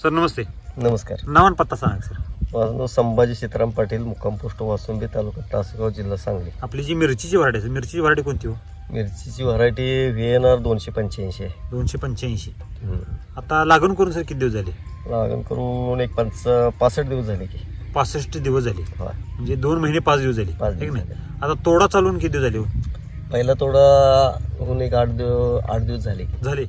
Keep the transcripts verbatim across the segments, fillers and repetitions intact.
Sir नमस्ते. नमस्कार. नाव आणि पत्ता सांगा सर. माझं नाव संभाजी सीताराम पाटील, मुक्काम पोस्ट वासुंबी, तालुका तासगाव, जिल्हा सांगली. आपली जी मिरचीची व्हरायटी आहे मिरचीची व्हरायटी कोणती हो? मिरचीची व्हरायटी व्ही एन आर दोनशे पंच्याऐंशी आहे. दोनशे पंच्याऐंशी. हम्म. आता लागण करून सर किती दिवस झाले? लागण करून एक पाच पासष्ट दिवस झाले की. पासष्ट दिवस झाले. हा, म्हणजे दोन महिने पाच दिवस झाले. पाच है की दिवस नाही? झाले. आता तोडा चालून किती दिवस झाले हो? पहिला तोडा होऊन एक आठ दिवस आठ दिवस झाले की. झाले.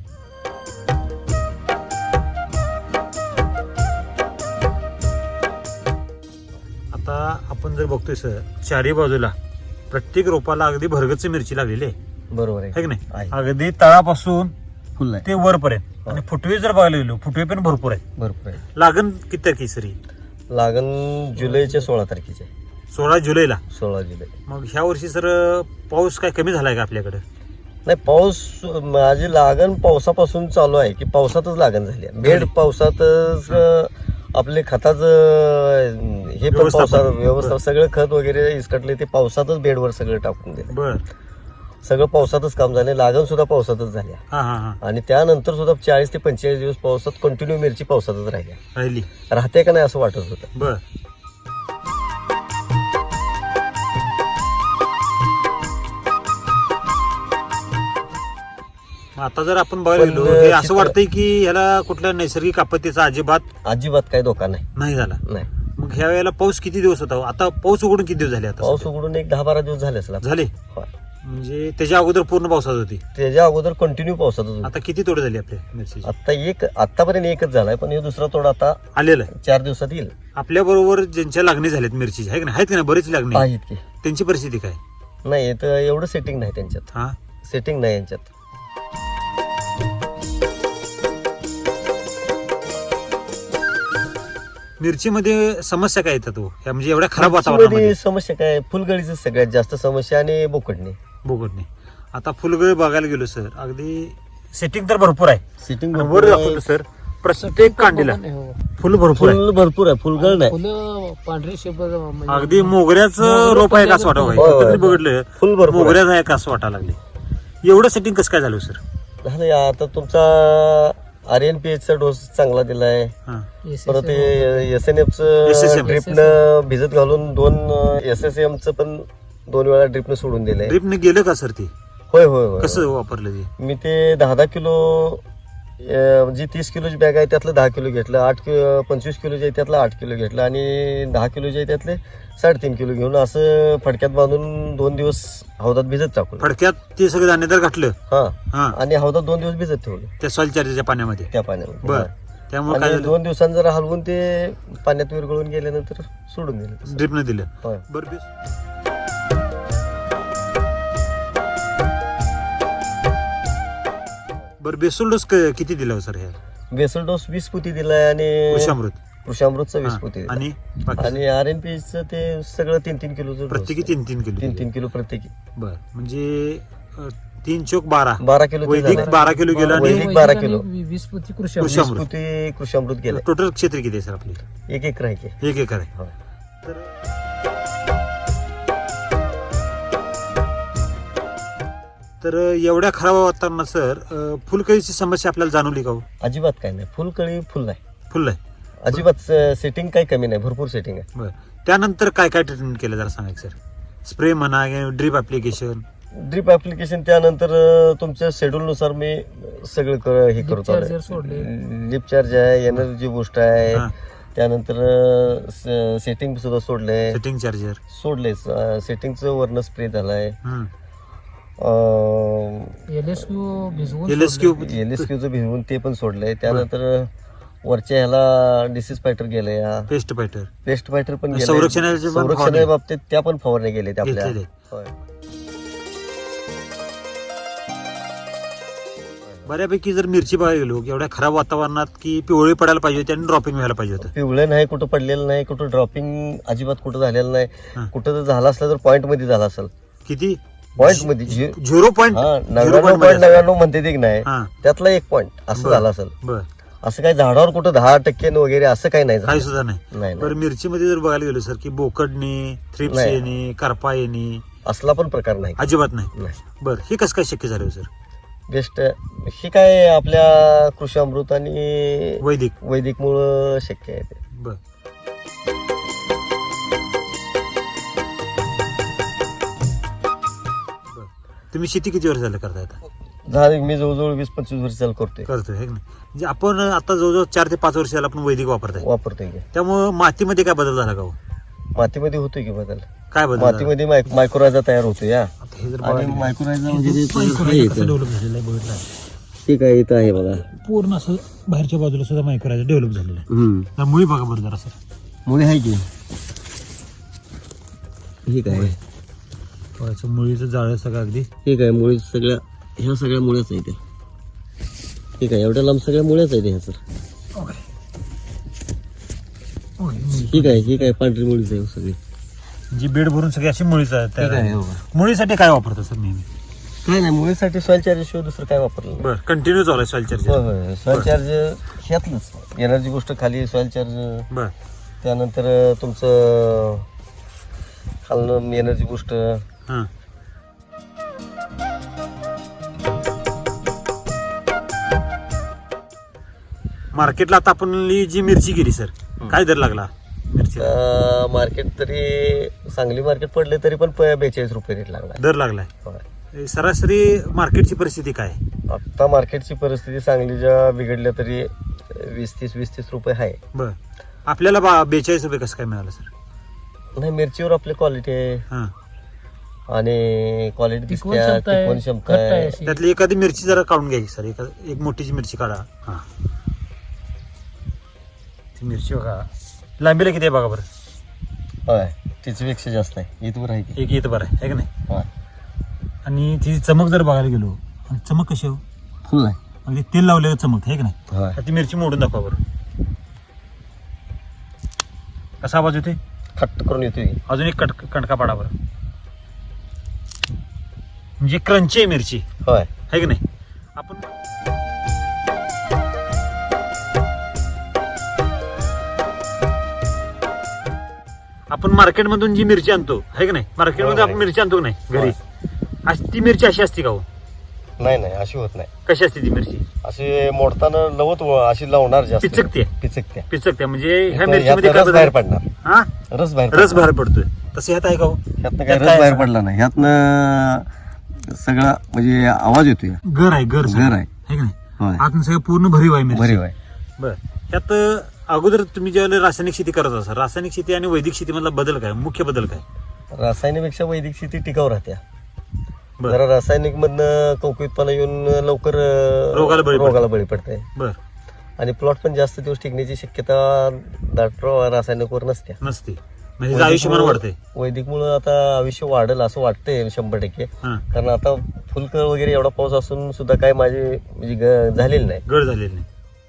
आता आपण जर बघतोय सर चारी बाजूला प्रत्येक रोपाला अगदी भरगतच मिरची लागलेली आहे. बरोबर है आहे की नाही? आहे. अगदी तळापासून फुल आहे. ते वरपर्यंत. आणि फुटवे जर बघायला गेलो फुटवे पण भरपूर आहे. भरपूर आहे. लागण किती तारखे सर? लागण जुलैच्या सोळा तारखेचे. सोळा जुलैला. सोळा जुलै. मग ह्या वर्षी सर पाऊस काय कमी झालाय का आपल्याकडे? नाही, पाऊस माझी लागण पावसापासून चालू आहे की पावसातच लागण झाली आहे. बेड पावसातच आपले खताचं हे पण व्यवस्थापन. पावसात व्यवस्था सगळं खत वगैरे इसकटले ते पावसातच बेडवर सगळं टाकून दिलं. बर. सगळं पावसातच काम झाले. लागण सुद्धा पावसातच झाली आहे. हा हा हा. आणि त्यानंतर सुद्धा चाळीस ते पंचेचाळीस दिवस पावसात कंटिन्यू मिरची पावसातच राहिल्या. राहिली. राहते का नाही असं वाटत होतं. बर. आता जर आपण बघायला गेलो पण हे असं चित्र- वाटतंय की ह्याला कुठल्या नैसर्गिक आपत्तीचा अजिबात अजिबात काही धोका नाही. नाही झाला. नाही, मग ह्या वेळेला पाऊस किती दिवस होता? आता पाऊस उघडून किती दिवस झाले? आता पाऊस सध्या? उघडून एक दहा बारा दिवस झाले असेल. झाले. होय. म्हणजे त्याच्या अगोदर पूर्ण पावसात होती. त्याच्या अगोदर कंटिन्यू पावसातच होती. आता किती तोडे झाली आपल्या मिरची? आता एक आतापर्यंत एकच झालाय, पण हे दुसरा तोडा आता आलेला आहे. चार दिवसात येईल. आपल्या बरोबर ज्यांच्या लागणी झाल्यात मिरची आहे की नाही? आहेत की नाही? बरीच लागणी आहे. आहेत की. त्यांची परिस्थिती काय? नाही, तर एवढं सेटिंग नाही त्यांच्यात. हा. सेटिंग नाही यांच्यात. मिरचीमध्ये समस्या काय येतात हो? ह्या म्हणजे एवढ्या खराब मिरचीमध्ये वातावरणामध्ये? समस्या काय? फुलगळीच सगळ्यात जास्त समस्या आणि बोकडणे. बोगटणे. आता फुलगळ बघायला गेलो सर अगदी सेटिंग तर भरपूर आहे. सेटिंग आणि वर दाखवतो सर प्रत्येक कांडीला फुल भरपूर आहे. फुल भरपूर आहे. फुलगळ नाही. फुलं पांढरी शेपर अगदी मोगऱ्याचं रोप आहे का असं वाटावं? होय, होय. कधी बघितलं फुल भरपूर आहे. मोगऱ्याचं आहे का असं वाटायला लागले. एवढं सेटिंग कसं काय झालं सर? झालं या आता तुमचा आर एन पी एच चा डोस चांगला दिलाय. हा. परत S N F S S च M. ड्रिपनं भिजत घालून दोन एस एस एम च पण दोन वेळा ड्रिपनं सोडून दिलंय. ड्रिपने गेलं का सर ते? होय होय होय. कसं वापरलं ते? मी ते दहा दहा किलो अं, जी तीस किलोची बॅग आहे त्यातलं दहा किलो घेतलं. आठ किलो पंचवीस किलोचे आहे त्यातलं आठ किलो घेतलं आणि दहा किलोचे आहे त्यातले साडेतीन किलो घेऊन असं फडक्यात बांधून दोन दिवस हौदात भिजत टाकून. फडक्यात ते सगळं दाणेदार घातलं. हा, हा. आणि हौदात दोन दिवस भिजत ठेवलं त्या सॉइल चार्जरच्या पाण्यामध्ये. त्या पाण्यामध्ये. बर. हा. त्यामुळे काय आणि झालं? दोन दिवसांनी जरा हलवून ते पाण्यात विरघळून गेल्यानंतर सोडून दिलं तसं. ड्रिपने दिलं. होय. बरं. बेस- बरं बेसोल डोस क- किती दिला हो सर ह्या? बेसल डोस वीस पोती दिलाय आणि कृषामृत. कृषामृतचा वीस हा. पोती दिलाय. आणि बाकी आणि आर एन पी च ते सगळं तीन तीन किलो प्रत्येकी तीन तीन किलो तीन दिले. तीन किलो प्रत्येकी. बर. म्हणजे अं, तीन चोक बारा. बारा किलो ते वैदिक झालं. बारा किलो गेलं आणि वैदिक बारा किलो. वीस पोती कृषी कृषी वीस अमृत. पोती कृषामृत गेलं. टोटल क्षेत्र किती आहे सर आपली? एक एक आहे की. एक एकर आहे. होय. तर तर एवढ्या खराब वातावरणात सर अं, फुलकळीची समस्या आपल्याला जाणवली का हो? अजिबात काय नाही. फुलकळी फुल नाही. फुल आहे. अजिबात सेटिंग काही कमी नाही. भरपूर सेटिंग आहे. बर. त्यानंतर काय काय ट्रीटमेंट केलं जरा सांगा सर. स्प्रे म्हणा ड्रीप ऍप्लिकेशन. ड्रिप ऍप्लिकेशन त्यानंतर अं, तुमच्या शेड्यूल नुसार मी सगळं कर- हे करतो. चार्जर सोडले. लिप चार्ज आहे, एनर्जी बूस्ट आहे, हा. त्यानंतर सेटिंग सुद्धा सोडले सेटिंग चार्जर. सोडले सेटिंगचं वर्ण स्प्रे झालाय. एलएसक्यू भिजवून एलएसक्यू एलएसक्यूचं भिजवून ते पण सोडलंय. त्यानंतर वरच्या ह्याला डिसीज फायटर गेले, पेस्ट फायटर. पेस्ट फायटर पण गेले. संरक्षणाचे पण फवारणी. संरक्षणा बाबतीत त्या पण फवारणी गेले आपल्या. घेतलेले. होय. बऱ्यापैकी जर मिरची बघायला गेलो एवढ्या खराब वातावरणात की पिवळी पडायला पाहिजे होती आणि ड्रॉपिंग व्हायला पाहिजे होतं. पिवळं नाही, कुठं पडलेलं नाही, कुठं ड्रॉपिंग अजिबात कुठं झालेलं हा. नाही. कुठं जर झालं असलं तर पॉईंट मध्ये झाला असेल. किती? पॉईंट मध्ये झि- झिरो पॉईंट. हा, झिरो नव्याण्णव पॉईंट पॉईंट नव्याण्णव म्हणते ते की नाही, हा. त्यातला एक पॉईंट असं बरं. झालं असेल. बर. असं काही झाडावर कुठं दहा टक्के वगैरे असं काही नाही काही झालं. सुद्धा नाही. नाही बरं. नाही. मिरचीमध्ये जर बघायला गेलो सर की बोकडणे, थ्रिप्स नाही. येणे, करपा येणे असला पण प्रकार नाही. अजिबात नाही. नाही. बरं. हे कसं काय शक्य झालं हो सर? बेस्ट हे काय आपल्या कृषी अमृत आणि वैदिक वैदिक मुळे शक्य आहे ते. बर बर. तुम्ही शेती किती वर्ष झालं करताय आता? झाले मी जवळजवळ वीस पंचवीस वर्ष चालू करतोय करतोय है की नाही? म्हणजे आपण आता जवळजवळ चार ते पाच वर्ष झालं आपण वैदिक वापरताय, वापरतोय की. त्यामुळे मातीमध्ये काय बदल झाला का हो? मातीमध्ये होतोय की बदल. काय बदल झाला? मातीमध्ये माय- मायक्रोरायझा तयार होतो या आता हे जर आणि बघायला मायक्रोरायझा गेलं, वगैरे हे मायक्रोरायझा कसं डेव्हलप झालेलं आहे बघितलं आहे. ठीक आहे इथं आहे बघा. पूर्ण असं बाहेरच्या बाजूला सुद्धा मायक्रोरायझा डेव्हलप झालेलं आहे. हम्म त्या मुळी बघा बरं जरा सर, मुळे आहे की ठीक आहे फळाचं मुळीचं जाळं सगळं अगदी ठीक आहे मुळे सगळ्या ह्या सगळ्या मुळ्याच आहे त्या. ठीक आहे एवढ्या लांब सगळ्या मुळ्याच आहे ह्या सर. ठीक आहे ठीक आहे पांढरी मुळीच आहे सगळी. जी बेड भरून सगळी अशी मुळीच आहे ठीक आहे तयार. हो का. मुळीसाठी काय वापरतो सर नेहमी? काय नाही मुळीसाठी सॉइल चार्ज शिवाय दुसरं काय वापरलं नाही. बरं कंटिन्यू चालू आहे सॉइल होय चार्जर. होय सॉइल चार्ज ह्यातलंच एनर्जी गोष्ट खाली सॉइल चार्ज, बरं त्यानंतर तुमचं खालनं एनर्जी गोष्ट. हां मार्केटला आता आपण जी मिरची गेली सर, काय दर लागला मिरची? मार्केट तरी सांगली मार्केट पडले तरी पण प- बेचाळीस रुपये रेट लागला. दर लागलाय. होय. सरासरी मार्केटची परिस्थिती काय आहे? आता मार्केटची परिस्थिती सांगलीच्या बिघडल्या तरी वीस तीस वीस तीस रुपये आहे. बर आपल्याला बा बेचाळीस रुपये कसं काय मिळालं सर? नाही मिरचीवर आपली क्वालिटी आहे हां आणि क्वालिटी टिकवण दिसते, क्षमता आहे, टिकवण क्षमता घट्ट आहे आहे. अशी. त्यातली एखादी मिरची जरा काढून घ्यायची सर, एका एक मोठीची मिरची काढा. हां ती मिरची बघा लांबीला किती आहे बघा बरं. होय तिच्यापेक्षा जास्त आहे इथवर आहे की. एक येतं बरं आहे का नाही? होय आणि तिची चमक जर बघायला गेलो, आणि चमक कशी हो फुल आहे. अगदी तेल लावलेलं चमक आहे का नाही? होय आता ती मिरची मोडून दाखवा बरं. कसा आवाज येतोय? खट्ट करून येतोय. अजून एक कट कणका पाडा बरं. म्हणजे क्रंची आहे मिरची होय आहे की नाही? आपण आपण मार्केटमधून जी मिरची आणतो आहे की नाही, मार्केटमध्ये आपण मिरची आणतो की नाही घरी, अशी ती मिरची अशी असते का हो? नाही नाही अशी होत नाही. कशी असते ती मिरची? अशी मोडताना लवत व- अशी लावणार जास्त पिचकते. पिचकते पिचकते म्हणजे ह्या यातनं मिरचीमध्ये काय रस बदल बाहेर आहे? पडणार. हा रस बाहेर रस बाहेर पडतोय. तसं ह्यात आहे का हो? ह्यातनं काय त्यात रस काय बाहेर असं? पडला नाही. ह्यातनं सगळा म्हणजे आवाज येतोय. घर आहे घर घर आहे. की नाही? होय आतून सगळं पूर्ण भरीव आहे मिरची. भरीव आहे. बर त्यात अगोदर तुम्ही ज्यावेळेला रासायनिक शेती करत असाल, रासायनिक शेती आणि वैदिक शेतीमधला बदल काय, मुख्य बदल काय? रासायनिकपेक्षा वैदिक शेती टिकाऊ राहत्या. बर जरा रासायनिक मधनं कवकीतपणा येऊन लवकर अं, रोगाला बळी पडते. रोगाला बळी पडते बर आणि प्लॉट पण जास्त दिवस टिकण्याची शक्यता दाट रासायनिकवर नसते. नसते म्हणजे आयुष्यमान वाढते. वैदिक मुळे आता आयुष्य वाढेल असं वाटतंय शंभर टक्के. हा कारण आता फुलकळ वगैरे एवढा पाऊस असून सुद्धा काय माझी म्हणजे ग- झालेली नाही. गड झालेली नाही.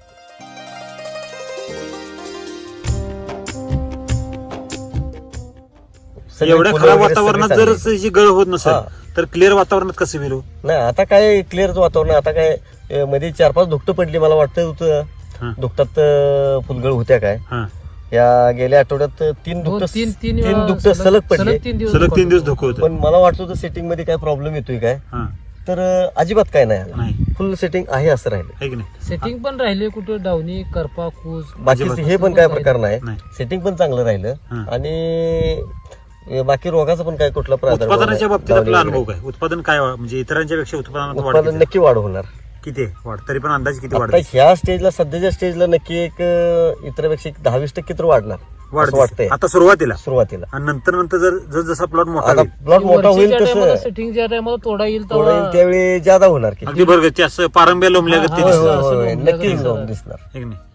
सगळी एवढ्या फुलं खराब वगैरे वातावरणात सगळी जर चांगली. अशी गळ होत नसेल हा. तर क्लिअर वातावरणात कसं मिळू? नाही आता काय क्लिअर वातावरण आहे. आता काय अं, मध्ये चार पाच धुकटं पडली मला वाटतं हा. होतं दुकटात अं, फुलगळ होत्या काय. हा या गेल्या आठवड्यात तीन दोन- दुकट तीन तीन तीन वेळा दुकटं सलग पडले. सलग तीन दिवस सलग तीन दिवस दुखत धोकं होतं. पण मला वाटत होतं सेटिंग मध्ये काय प्रॉब्लेम येतोय काय, हा तर अं, अजिबात काय नाही आलं. नाही फुल सेटिंग आहे असं राहिलं. आहे की नाही? सेटिंग पण राहिले कुठे डावणी करपा कूज बाकी हे पण काय प्रकार नाही. नाही. सेटिंग पण चांगलं राहिलं हा. आणि बाकी रोगाचा पण काय कुठला प्रादुर्भाव नाही. उत्पादनाच्या बाबतीत दावणी आपला वगैरे. अनुभव काय? उत्पादन काय वा- म्हणजे इतरांच्या पेक्षा उत्पादनात वाढ उत्पादन किती? नक्की वाढ होणार. किती आहे वाढ? तरी पण अंदाज किती आता वाढ? ह्या स्टेजला सध्याच्या स्टेजला नक्की एक अं, इतरांपेक्षा एक दहा वीस टक्के तर वाढणार वाढ असं वाटतंय आता सुरुवातीला, सुरुवातीला. आणि नंतर नंतर जर जर जसा प्लॉट मोठा आता होईल, प्लॉट मोठा होईल तसं सेटिंग ज्या टायमाला तोडा येईल थोडं तेव्हा येईल त्यावेळी ज्यादा होणार की. अगदी बरोबर असं पारंब्या लोंबल्या हा, गत ते हा, होय, दिसतं. होय, असं होय, लोंबल्या नक्की गत जाऊन दिसणार. दिसणार. है की नाही?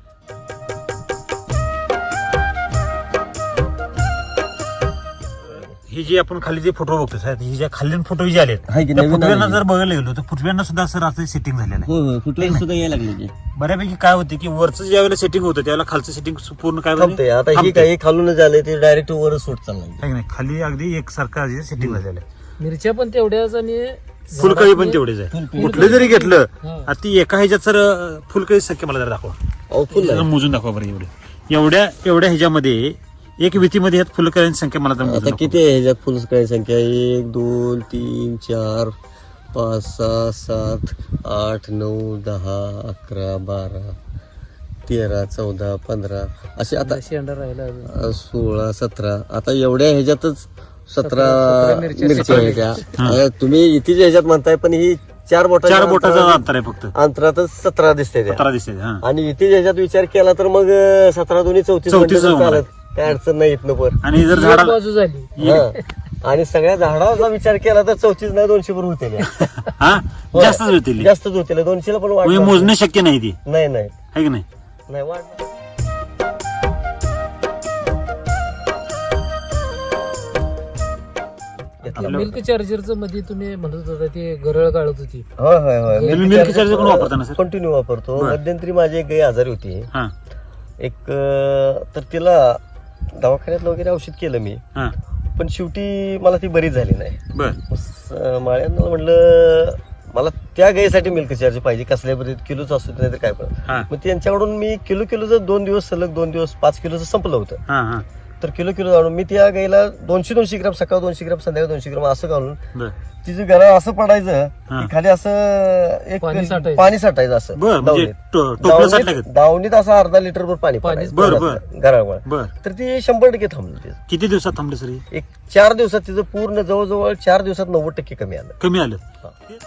ही जी आपण खाली जे फोटो बघतो साहेब, ही ज्या खाली फोटो जे आलेत हाय की त्या नवीन फुटव्यांना आलेली. जर बघायला गेलो तर फुटव्यांना सुद्धा असं रात्री सेटिंग झालेलं आहे. होय होय फुटवेल सुद्धा यायला लागले की बऱ्यापैकी काय होते की वरचं ज्या वेळेला सेटिंग होतं त्यावेळेला खालचं सेटिंग पूर्ण काय थांबते. आता ही थांबते. काही खालूनच आले ते डायरेक्ट वर सूट चाललंय. है की नाही? खाली अगदी एक सारखं सेटिंग झालेलं आहे. मिरच्या पण तेवढ्याच आणि फुलकळी पण तेवढेच आहे. फुलकळी. कुठलं जरी घेतलं हा. आता ती एका ह्याच्यात सर फुलकळी संख्या मला जरा दाखवा. अहो, फुल जरा आहे. मोजून दाखवा बरं. एवढे एवढ्या एवढ्या ह्याच्यामध्ये एक वितीमध्ये ह्यात फुलकळ्यांची संख्या मला जरा मोजून आता दाखवा. किती आहे ह्याच्यात फुल काय संख्या एक दोन तीन चार पाच सहा सात आठ नऊ दहा अकरा बारा तेरा चौदा पंधरा असे आता शेंडा राहिला अजून. अ, सोळा सतरा आता एवढ्या ह्याच्यातच सतरा सतरा मिरच्या मिरच्या ह्याच्या आता तुम्ही इथे ह्याच्यात म्हणताय पण ही चार बोटाच्या चार बोटाचं अंतरा- अंतर आहे फक्त अंतरातच सतरा दिसते त्या. सतरा दिसते हा. आणि इथे ह्याच्यात विचार केला तर मग अ, सतरा दोन्ही चौतीस चौतीस म्हटलं तर होणार. चालत काय अडचण नाही इथनं पर आणि जर एक झाडा बाजू झाली हा. आणि सगळ्या झाडाचा विचार केला तर चौतीस नाही दोनशे भर होते हा जास्तच होतील जास्तच होते दोनशेला पण वाढ म्हणजे मोजणं शक्य नाही ती नाही नाही आहे की नाही नाही वाढ मिल्क चार्जरचं मध्ये तुम्ही म्हणत होता ते गरळ गाळत होती. होय होय होय तुम्ही मिल्क चार्जर कोण वापरता ना सर कंटिन्यू वापरतो बरं. मध्यंतरी माझी एक गाई आजारी होती हा एक अं, तर तिला दवाखान्यात वगैरे औषध केलं मी हा पण शेवटी मला ती बरी झाली नाही बर स- माळ्यांना म्हणलं मला त्या गाईसाठी मिल्क चार्ज पाहिजे कसल्या बरी किलोच असू नाही तर काय पण हा मग त्यांच्याकडून मी किलो किलोचं दोन दिवस सलग दोन दिवस पाच किलोचं संपलं होतं हा हा तर किलो किलो जाणून मी त्या गाईला दोनशे दोनशे ग्राम सकाळ दोनशे ग्राम संध्याकाळ दोनशे ग्राम असं घालून बर तिचं गळा असं पडायचं हा. की खाली असं एक पाणी साठायचं. पाणी साठायचं असं बर म्हणजे दावणीत. टो- टोपलं साठलं दावणीत का दावणीत असं अर्धा लिटर भर पाणी पाणी. पडायचं बर, घरात- घरावर बर तर ती शंभर टक्के थांबली तिचं. किती दिवसात थांबले सर हे? एक चार दिवसात तिचं पूर्ण जवळजवळ चार दिवसात नव्वद टक्के कमी आलं कमी आलं हा.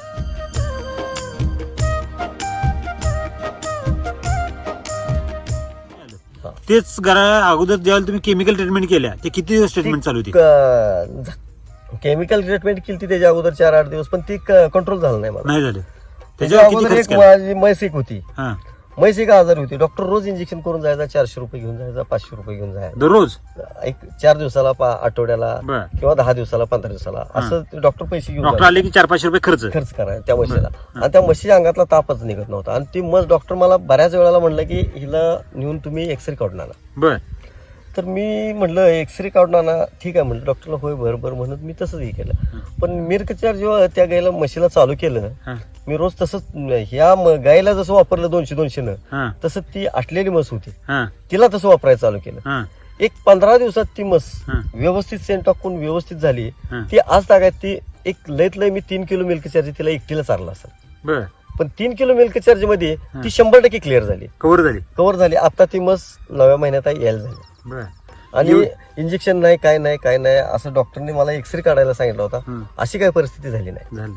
हा. तेच घरा अगोदर ज्यावेळेला तुम्ही केमिकल ट्रीटमेंट केल्या ते किती दिवस ट्रीटमेंट चालू होती केमिकल ट्रीटमेंट केली ती त्याच्या अगोदर चार आठ दिवस पण ती कंट्रोल झालं नाही मला नाही झाले त्याच्या त्याच्यावर किती अगोदर खर्च एक केला माझी म्हैस एक होती हा म्हैस एक आजारी होती डॉक्टर रोज इंजेक्शन करून जायचा चारशे रुपये घेऊन जायचा पाचशे रुपये घेऊन जायचा दररोज एक चार दिवसाला पा- आठवड्याला बर किंवा दहा दिवसाला पंधरा दिवसाला असं डॉक्टर पैसे घेऊन डॉक्टर जायचे. आले की चार पाचशे रुपये खर्च खर्च करायचा त्या म्हशीला आणि त्या म्हशीच्या अंगातला तापच निघत नव्हता आणि ती म्हस डॉक्टर मला बऱ्याच वेळेला म्हणलं की हिला नेऊन तुम्ही एक्सरे काढून आणा बर तर मी म्हटलं एक्सरे काढून आणा ठीक आहे म्हटलं डॉक्टरला होय बरं बरं म्हणत मी तसंच हे केलं पण मिरकचार जेव्हा त्या गायला म्हशीला चालू केलं हा मी रोज तसंच ह्या म- गायला जसं वापरलं दोनशे दोनशेनं हा तसं ती आटलेली म्हस होती हा तिला तसं वापरायला चालू केलं हा एक पंधरा दिवसात ती म्हस हा. व्यवस्थित सेंट टाकून व्यवस्थित झाली हा. ती आज तागायत ती एक लयत लय मी तीन किलो मिल्क चार्ज तिला एकटीला चारला असेल बर पण तीन किलो मिल्क चार्ज मध्ये हा. ती शंभर टक्के क्लिअर झाली कव्हर झाली कव्हर झाली आता ती म्हस नव्या महिन्यात यायला झाली बर आणि इंजेक्शन नाही काय नाही काय नाही असं डॉक्टरने मला एक्सरे काढायला सांगितलं होता हम्म. अशी काही परिस्थिती झाली नाही झाली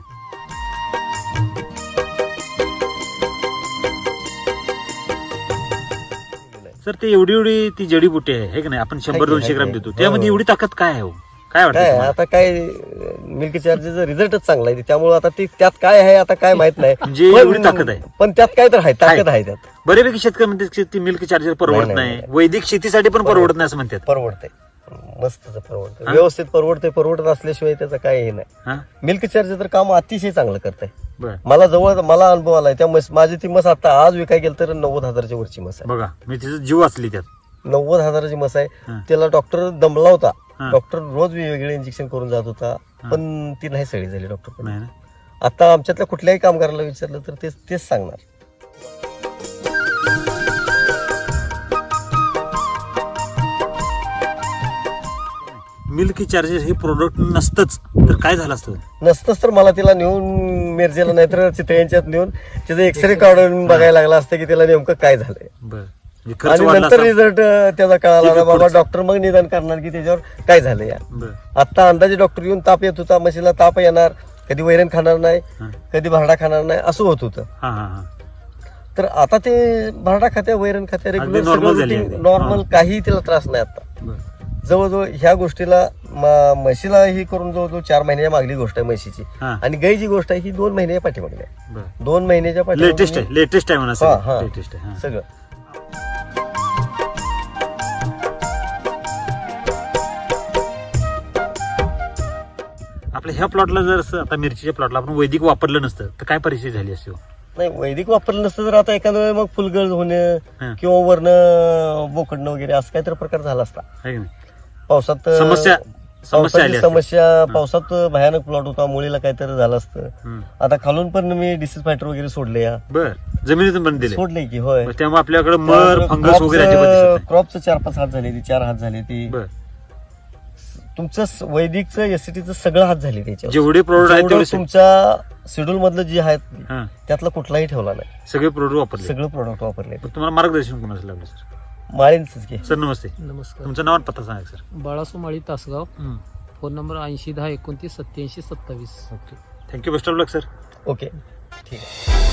सर ते एवढी एवढी ती जडीबुटी आहे हे की नाही आपण शंभर आहे की, दोनशे आहे ग्राम की. देतो हो, त्यामध्ये हो. एवढी ताकद काय आहे हो? काय वाटतं काय तुम्हाला? आता काय मिल्क चार्जेचा रिझल्टच चांगला आहे त्यामुळे आता ती त्यात काय आहे आता काय माहित नाही म्हणजे पण- एवढी ताकद आहे. पण त्यात काय तर आहे ताकद आहे त्यात बऱ्यापैकी शेतकरी म्हणतात की ती मिल्क चार्जर परवडत नाही, नाही नाही. वैदिक शेतीसाठी पण परवडत नाही असं म्हणतात परवडते मस्त परवडते हा? व्यवस्थित परवडते परवडत असल्याशिवाय त्याचं काय हे नाही हा मिल्क चार्ज तर काम अतिशय चांगलं करतंय बर मला जवळ मला अनुभव आलाय त्या म्हस माझी ती मस आता आज विकाय गेलं तर नव्वद हजाराच्या वरची मस आहे बघा मी तिचा जीव असली त्यात नव्वद हजाराची मस आहे हा. त्याला डॉक्टर दमला होता हा. डॉक्टर रोज वेगवेगळे इंजेक्शन करून जात होता पण ती नाही सळी झाली डॉक्टर नाही ना आता आमच्यातल्या कुठल्याही कामगाराला विचारलं तर तेच तेच सांगणार मिल्क चार्जर हे प्रोडक्ट नसतंच तर काय झालं असतं नसतंच तर मला तिला नेऊन मिरजेला नाहीतर चितळ्यांच्यात नेऊन तिचं एक्सरे काढून बघायला लागला असतं की तिला नेमकं काय झालंय बर म्हणजे खर्च आणि वाढला नंतर असता. रिझल्ट त्याचा कळाला ठीक आहे, ना बाबा पुढचं. डॉक्टर मग निदान करणार की त्याच्यावर काय झालं या बर आता अंदाजे डॉक्टर येऊन ताप येत होता म्हशीला ताप येणार कधी वैरण खाणार नाही हा कधी भरडा खाणार नाही असं होत होतं हा हा हा तर आता ते भरडा खात्या वैरण खात्या अगदी रेग्युलर normal झाली आहे. नॉर्मल हा. काही तिला त्रास नाही आता बर जवळजवळ ह्या गोष्टीला म- म्हशीला ही करून जवळजवळ चार महिन्याच्या मागली गोष्ट आहे म्हशीची हा आणि गाईची गोष्ट आहे ही दोन महिन्याच्या पाठीमागली आहे बर दोन महिन्याच्या लेटेस्ट पाठीमागे आहे लेटेस्ट आहे म्हणा हा, हा. सर लेटेस्ट आहे हा. सगळं आपल्या ह्या प्लॉटला जर असं आता मिरचीच्या प्लॉटला आपण वैदिक वापरलं नसतं तर काय परिस्थिती झाली असती हो? नाही वैदिक वापरलं नसतं तर आता एखाद्या वेळी मग फुलगळ होणं हा. किंवा वरनं बोकडणं वगैरे असं काहीतरी प्रकार झाला असता है की नाही? पावसात समस्या समस्या आली पावसाची असती. समस्या पावसात भयानक प्लॉट होता मुलीला काहीतरी झालं असतं हम्म. आता खालून पण मी डिसीज फायटर वगैरे सोडले या बर जमिनीतून पण दिले सोडले की होय मग त्यामुळे आपल्याकडे मर फंगस वगैरे अजिबात दिसत क्रॉपचं चार पाच हात झाली ती चार हात झाली ती नाही. बर तुमचं स- वैदिकचं एसटीचं सगळं हात झाली त्याच्यावर. जेवढे प्रोडक्ट आहेत जेवढं तेवढे सगळे- तुमच्या शेड्यूल मधलं जे आहेत हा, त्यातला कुठलाही ठेवला नाही. सगळे प्रोडक्ट वापरले. सगळं प्रोडक्ट वापरले. पण तुम्हाला मार्गदर्शन कोणाचं लागलं सर? माळींच घे. सर नमस्ते, नमस्कार. तुमचं नाव आणि पत्ता सांगा सर. बाळासू माळी तासगाव. हम्म. फोन नंबर ऐंशी दहा एकोणतीस सत्याऐंशी सत्तावीस. Okay, thank you, best of luck sir. Okay ठीक आहे.